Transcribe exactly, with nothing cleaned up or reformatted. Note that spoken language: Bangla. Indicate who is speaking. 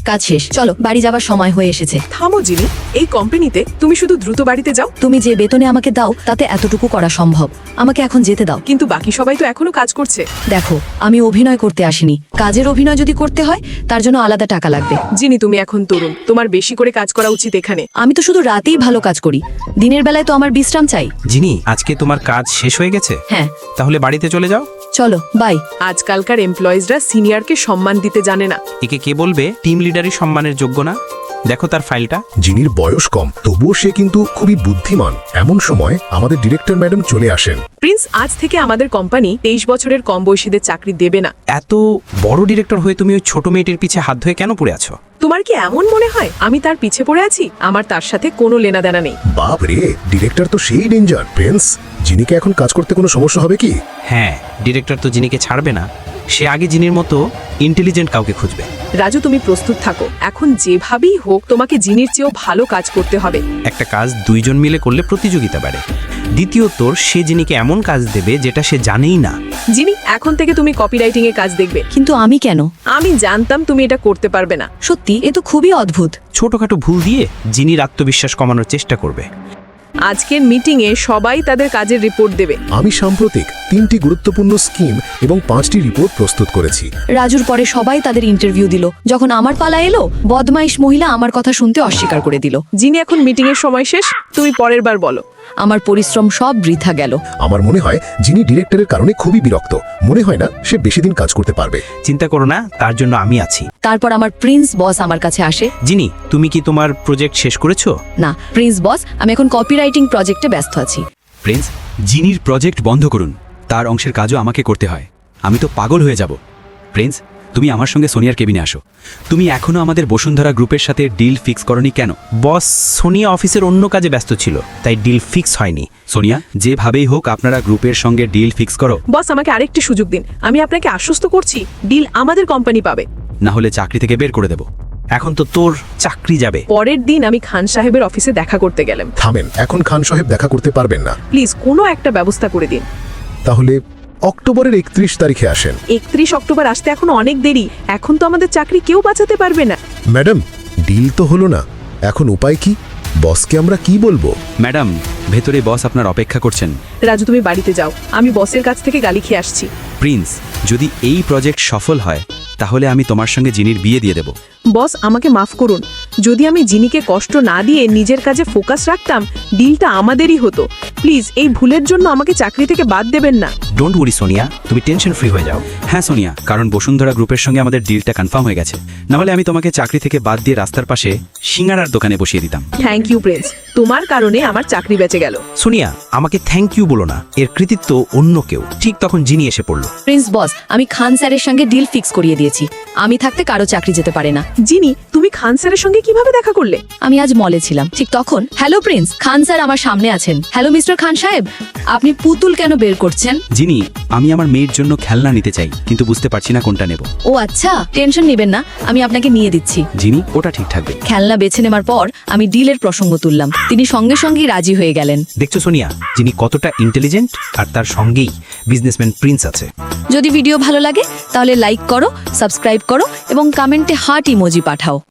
Speaker 1: কাজ শেষ, চলো বাড়ি যাবার সময় হয়ে এসেছে।
Speaker 2: থামো জিনি, এই কোম্পানিতে তুমি শুধু দ্রুত বাড়িতে যাও।
Speaker 1: তুমি যে বেতনে আমাকে দাও তাতে এতটুকু করা সম্ভব, আমাকে এখন যেতে দাও।
Speaker 2: কিন্তু বাকি সবাই তো এখনো কাজ করছে।
Speaker 1: দেখো, আমি অভিনয় করতে আসিনি, কাজের অভিনয় যদি করতে হয় তার জন্য আলাদা টাকা লাগবে।
Speaker 2: জিনি, তুমি এখন তরুণ, তোমার বেশি করে কাজ করা উচিত এখানে।
Speaker 1: আমি তো শুধু রাতেই ভালো কাজ করি, দিনের বেলায় তো আমার বিশ্রাম চাই।
Speaker 3: জিনি, আজকে তোমার কাজ শেষ হয়ে গেছে?
Speaker 1: হ্যাঁ।
Speaker 3: তাহলে বাড়িতে চলে যাও।
Speaker 1: চলো, বাই।
Speaker 2: আজকালকার এমপ্লয়িজরা সিনিয়রকে সম্মান দিতে জানে না।
Speaker 3: একে কে বলবে টিম লিডারই সম্মানের যোগ্য না? দেখো তার ফাইলটা।
Speaker 4: জিনির বয়স কম, তবুও সে কিন্তু খুবই বুদ্ধিমান। এমন সময় আমাদের ডিরেক্টর ম্যাডাম চলে আসেন।
Speaker 2: প্রিন্স, আজ থেকে আমাদের কোম্পানি তেইশ বছরের কম বয়সীদের চাকরি দেবে না।
Speaker 3: এত বড় ডিরেক্টর হয়ে তুমি ওই ছোট মেয়েটির পিছে হাত ধুয়ে কেন পড়ে আছো?
Speaker 2: তোমার কি এমন মনে হয় আমি তার পিছে পড়ে আছি? আমার তার সাথে কোনো লেনাদেনা নেই।
Speaker 4: বাপ রে, ডিরেক্টর তো সেই ডেঞ্জার। প্রিন্স, জিনিকে এখন কাজ করতে কোনো সমস্যা হবে কি?
Speaker 3: হ্যাঁ, ডিরেক্টর তো জিনিকে ছাড়বে না, সে আগে জিনির মতো ইন্টেলিজেন্ট কাউকে খুঁজবে।
Speaker 2: রাজু, তুমি প্রস্তুত থাকো, এখন যেভাবেই হোক তোমাকে জিনির চেয়েও ভালো কাজ করতে হবে।
Speaker 3: একটা কাজ দুইজন মিলে করলে প্রতিযোগিতা বাড়ে। দ্বিতীয়ত, সে জিনিকে এমন কাজ দেবে যেটা সে জানেই না।
Speaker 2: জিনি, এখন থেকে তুমি কপিরাইটিং এ কাজ দেখবে।
Speaker 1: কিন্তু আমি কেন?
Speaker 2: আমি জানতাম তুমি এটা করতে পারবে না।
Speaker 1: সত্যি, এ তো খুবই অদ্ভুত।
Speaker 3: ছোটখাটো ভুল দিয়ে জিনির আত্মবিশ্বাস কমানোর চেষ্টা করবে।
Speaker 2: আজকের মিটিং এ সবাই তাদের কাজের রিপোর্ট দেবে।
Speaker 4: আমি সাম্প্রতিক তিনটি গুরুত্বপূর্ণ স্কিম এবং পাঁচটি রিপোর্ট প্রস্তুত করেছি।
Speaker 1: রাজুর পরে সবাই তাদের ইন্টারভিউ দিল, যখন আমার পালা এলো বদমাইশ মহিলা আমার কথা শুনতে অস্বীকার করে দিল।
Speaker 2: জিনি, এখন মিটিং এর সময় শেষ, তুমি পরের বার বলো।
Speaker 1: আমার পরিশ্রম সব বৃথা গেল।
Speaker 4: আমার মনে হয় যিনি ডিরেক্টরের কারণে খুবই বিরক্ত। মনে হয় না সে বেশি দিন কাজ করতে পারবে।
Speaker 3: চিন্তা করো না, তার জন্য আমি আছি।
Speaker 1: তারপর আমার প্রিন্স বস আমার কাছে আসে।
Speaker 3: জিনি, তুমি কি তোমার প্রজেক্ট শেষ করেছো?
Speaker 1: না প্রিন্স বস, আমি এখন কপিরাইটিং প্রজেক্টে ব্যস্ত আছি।
Speaker 5: প্রিন্স, জিনির প্রজেক্ট বন্ধ করুন, তার অংশের কাজও আমাকে করতে হয়। আমি তো পাগল হয়ে যাব। প্রিন্স, তুমি আমার সঙ্গে সোনিয়ার কেবিনে আসো। তুমি এখনো আমাদের বসুন্ধরা গ্রুপের সাথে ডিল ফিক্স করনি কেন?
Speaker 3: বস, সোনিয়া অফিসের অন্য কাজে ব্যস্ত ছিল, তাই ডিল ফিক্স হয়নি।
Speaker 5: সোনিয়া, যেভাবেই হোক আপনারা গ্রুপের সঙ্গে ডিল ফিক্স করো।
Speaker 2: বস, আমাকে আরেকটি সুযোগ দিন, আমি আপনাকে আশ্বস্ত করছি ডিল আমাদের কোম্পানি পাবে।
Speaker 5: না হলে চাকরি থেকে বের করে দেব।
Speaker 3: এখন তো তোর চাকরি যাবে।
Speaker 2: পরের দিন আমি খান সাহেবের অফিসে দেখা করতে গেলাম।
Speaker 4: থামেন, এখন খান সাহেব দেখা করতে পারবেন না।
Speaker 2: প্লিজ কোনো একটা ব্যবস্থা করে দিন।
Speaker 4: তাহলে অক্টোবরের একত্রিশ তারিখে আসেন।
Speaker 2: একত্রিশ অক্টোবর আসতে এখন অনেক দেরি, এখন তো আমাদের চাকরি কেউ বাঁচাতে পারবে না।
Speaker 4: ম্যাডাম, ডিল তো হলো না, এখন উপায় কি? বসকে আমরা কি বলবো?
Speaker 5: ম্যাডাম, ভেতরে বস আপনার অপেক্ষা করছেন।
Speaker 2: রাজু, তুমি বাড়িতে যাও, আমি বসের কাছ থেকে গালি খেয়ে আসছি।
Speaker 5: প্রিন্স, যদি এই প্রজেক্ট সফল হয় তাহলে আমি তোমার সঙ্গে জিনির বিয়ে দিয়ে দেব।
Speaker 2: বস, আমাকে মাফ করুন, যদি আমি জিনিকে কষ্ট না দিয়ে নিজের কাজে ফোকাস রাখতাম ডিলটা আমাদেরই হতো। প্লিজ এই ভুলের জন্য আমাকে চাকরি থেকে বাদ দেবেন না।
Speaker 3: ডোন্ট ওয়ারি সোনিয়া, তুমি টেনশন ফ্রি হয়ে যাও।
Speaker 5: হ্যাঁ সোনিয়া, কারণ বসুন্ধরা গ্রুপের সঙ্গে আমাদের ডিলটা কনফার্ম হয়ে গেছে। নাহলে আমি তোমাকে চাকরি থেকে বাদ দিয়ে রাস্তার পাশে সিঙ্গারার দোকানে বসিয়ে দিতাম।
Speaker 2: থ্যাংক ইউ প্রিন্স, তোমার কারণে আমার চাকরি বেঁচে গেল।
Speaker 3: সোনিয়া, আমাকে থ্যাংক ইউ বলো না, এর কৃতিত্ব অন্য কেউ। ঠিক তখন জিনি এসে পড়লো।
Speaker 1: প্রিন্স বস, আমি খান স্যারের সঙ্গে ডিল ফিক্স করিয়ে দিয়েছি, আমি থাকতে কারো চাকরি যেতে পারে না।
Speaker 2: জিনি, তুমি খান স্যারের সঙ্গে কিভাবে দেখা করলে?
Speaker 1: আমি আজ মলে ছিলাম, ঠিক তখন হ্যালো প্রিন্স, খান স্যার আমার সামনে আছেন। হ্যালো মিস্টার খান সাহেব, আপনি পুতুল কেন বের করছেন?
Speaker 5: জিনি, আমি আমার মেয়ের জন্য খেলনা নিতে চাই, কিন্তু বুঝতে পারছি না কোনটা নেব।
Speaker 1: ও আচ্ছা, টেনশন নেবেন না, আমি আপনাকে নিয়ে দিচ্ছি।
Speaker 5: জিনি, ওটা ঠিক থাকবে।
Speaker 1: খেলনা বেছে নেওয়ার পর আমি ডিলের প্রসঙ্গ তুললাম, তিনি সঙ্গে সঙ্গেই রাজি হয়ে গেলেন।
Speaker 3: দেখছো সোনিয়া, যিনি কতটা ইন্টেলিজেন্ট, আর তার সঙ্গেই বিজনেসম্যান প্রিন্স আছে।
Speaker 1: যদি ভিডিও ভালো লাগে তাহলে লাইক করো, সাবস্ক্রাইব করো এবং কমেন্টে হার্ট ইমোজি পাঠাও।